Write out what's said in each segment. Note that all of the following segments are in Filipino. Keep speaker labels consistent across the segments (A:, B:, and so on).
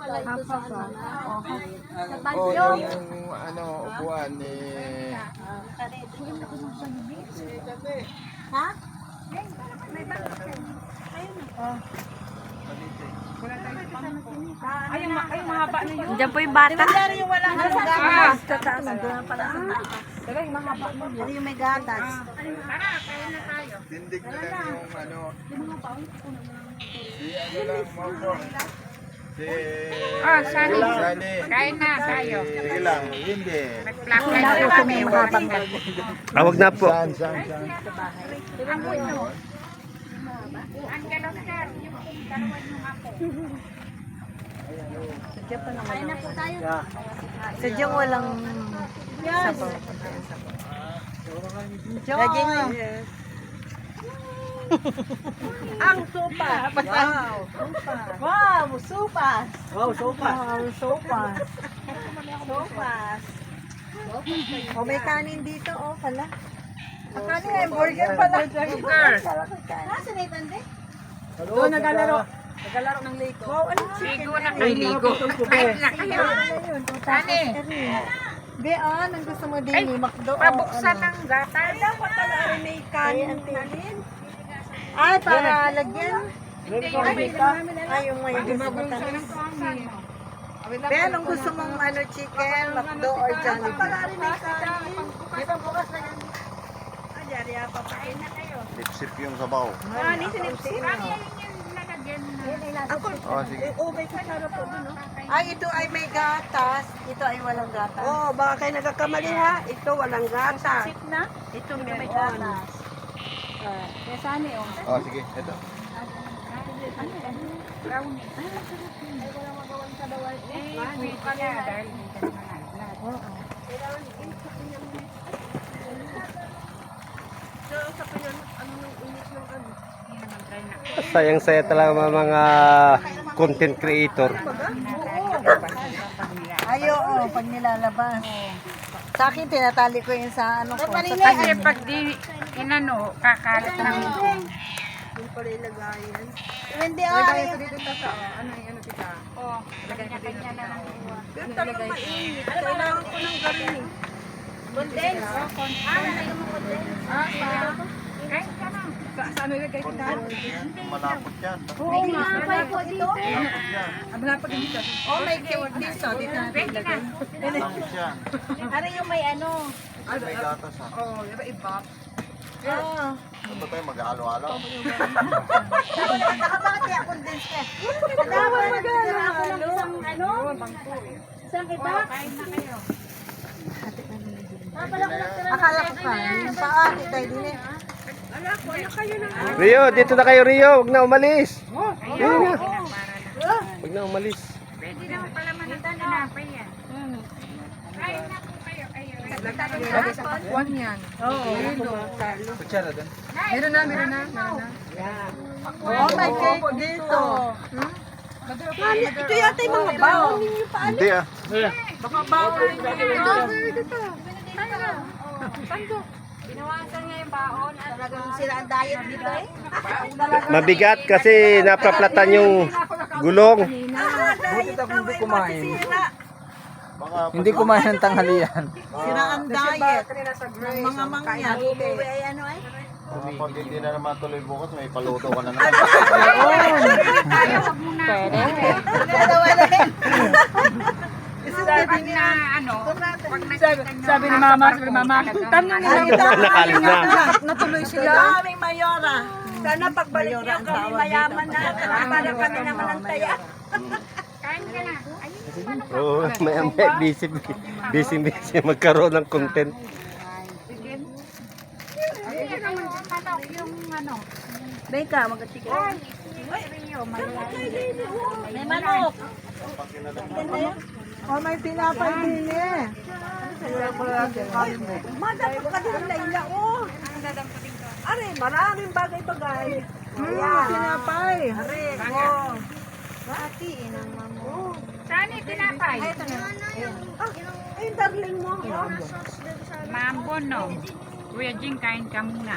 A: Oh, yung ano, upuan ni...
B: Ha?
C: Ay, yung mahaba na yun.
D: Diyan po yung bata.
B: Yung walang gatas.
D: Sa taas. Nandun pala sa taas.
C: Pero yung mahaba na yun.
B: Yung may gatas.
A: Tindig na lang yung ano... Si ano lang mo po. Si...
C: Sani.
A: Sani.
C: Kain na tayo.
A: Sige lang, hindi.
C: Nag-plug na
D: Wala
C: yun.
D: po may mahabang
E: Wag na po.
A: Saan?
C: Ang gano'n sir, yung dalawan yung ako.
B: Kain na po tayo.
D: Sadyang walang sabaw.
B: Lagyan mo. Ang sopa. Wow. Wow, sopas.
D: Wow, sopas.
B: Sopas.
D: O may kanin dito, oh pala. Ang kanin ay burger pala.
C: Burger.
B: Nasaan na itande?
D: Doon naglalaro. Naglalaro ng Lego. Wow, ano?
C: Ligo na kayo, ligo. Kain na kayo. Sani.
D: Be, nang gusto mo din ni Macdo.
C: Pabuksan ng gatas.
D: Dapat pala ay may kanin. Ay, para lagyan. Ay, yung may gusto mo tanis. Be, anong gusto mong ano, chicken, Macdo, or Jollibee?
A: Lipsip yung sabaw. Oh, sige.
D: Ay, ito ay may gatas. Ito ay walang gatas.
B: Oh, baka kayo nagkakamali ha. Ito walang gatas.
D: Ito may gatas.
A: Oh, sige. Ito.
E: Sayang-saya talaga mga content creator.
D: Ay, oo, pag nilalabas. Sa akin, tinatali ko yun sa ano ko. Sa
C: Kasi
D: talim.
C: pag di inano, kakalat ng
B: Hindi ay.
C: kanya-kanya na lang.
B: Kailangan ko ng garin. Condense. Nalagyan mo condense.
C: Kain ka na.
D: Saan ilagay ko dahil?
A: Malapot yan.
B: May ginapay po dito.
D: Oh, may cake dito. Dito natin ilagay.
A: Malapot yan.
B: Ano yung may ano?
A: May gatas ha.
D: Ah.
A: Ano tayo mag-alo-alo?
B: Bakit kaya condense ka? Dapat nagtira ako ng isang ano? Isang iba?
C: Kain na kayo.
B: Pala ko nagtira.
D: Akala ko pa. Yung paa, kita din eh.
E: Rio, dito na kayo Rio. Wag na umalis. Ayun na. Wag na umalis.
C: Pwede naman pala manitan na pa yan. Kain na po kayo.
D: One yan. Oo. Meron na. Oh, may cake dito.
B: Ito yata yung mga baon ninyo pa.
A: Hindi ah.
C: Binawasan nga yung baon at
B: Talagang sila ang diet dito eh.
E: Mabigat kasi napaplatan yung gulong.
B: Buti ako hindi kumain.
A: Baka
F: Hindi kumain ng tanghalian.
D: Sira ang diet ng mga mangyan.
B: Uwi ay ano eh.
A: pag hindi na naman tuloy bukas, may paluto ka na naman.
C: tayo, wag muna. Pag na ano, pag nakita nyo.
D: Sabi ni Mama, tanong nila.
E: Nakalis na.
D: Natuloy sila. Daming mayora.
B: Sana pagbalik niyo kami mayaman na. Para kami naman ang taya.
C: Kain ka na. Ayun.
E: Oo, may busy magkaroon ng content.
C: Ayun naman, manok yung ano.
B: Beka, mag-chicken.
C: May manok.
D: Oh, may pinapay din eh.
B: Madapot ka din Layla, oh. Are, maraming bagay-bagay. Ayan.
D: Pinapay.
B: Are, oh. Ati, inang mamo.
C: Saan yung tinapay?
B: Ay, darling mo. Oh.
C: Mambon, no? Kuya Jing, kain ka muna.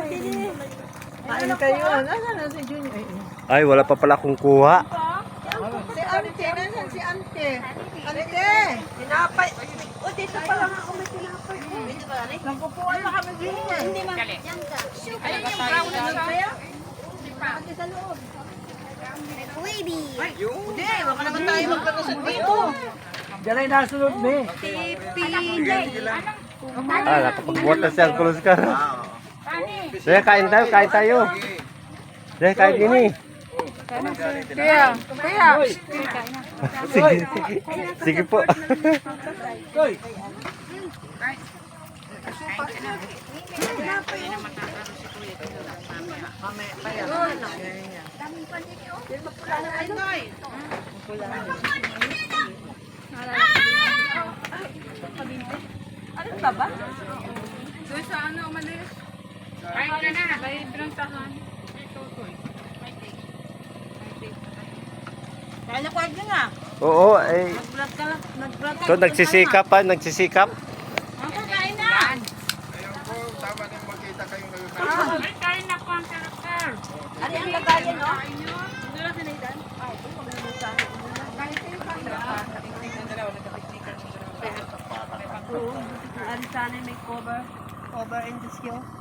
D: Kain kayo. Nasaan na si Junior?
E: Ay, wala pa pala akong kuha.
D: Halike. Halike.
B: Tinapay. O, dito pa lang ako may tinapay.
D: Nagpupuan na kami din eh.
B: Hindi ma.
C: Ayun yung brown na siya.
B: Bakit sa loob?
D: Hindi, baka naman tayo magkakusot dito.
E: Ah, nakapagbuhat na siya ang kulus ka.
C: Pani.
E: Sige, kain tayo, kain tayo. Sige, kain din eh.
C: Kaya.
E: Sige, sige po.
B: Ano ba ba?
C: Doon sa ano, umalis. Kain ka na. May binantahan.
B: Kaya na kwag nga.
E: Oo, eh.
B: Nag-vlog ka lang. Nag-vlog ka.
E: So, nagsisikap pa, nagsisikap.
C: Ako, kain na. Ay, kain na po ang karakter.
B: Ano yung lagayan, no? Ano sana may cover? Cover in the skill?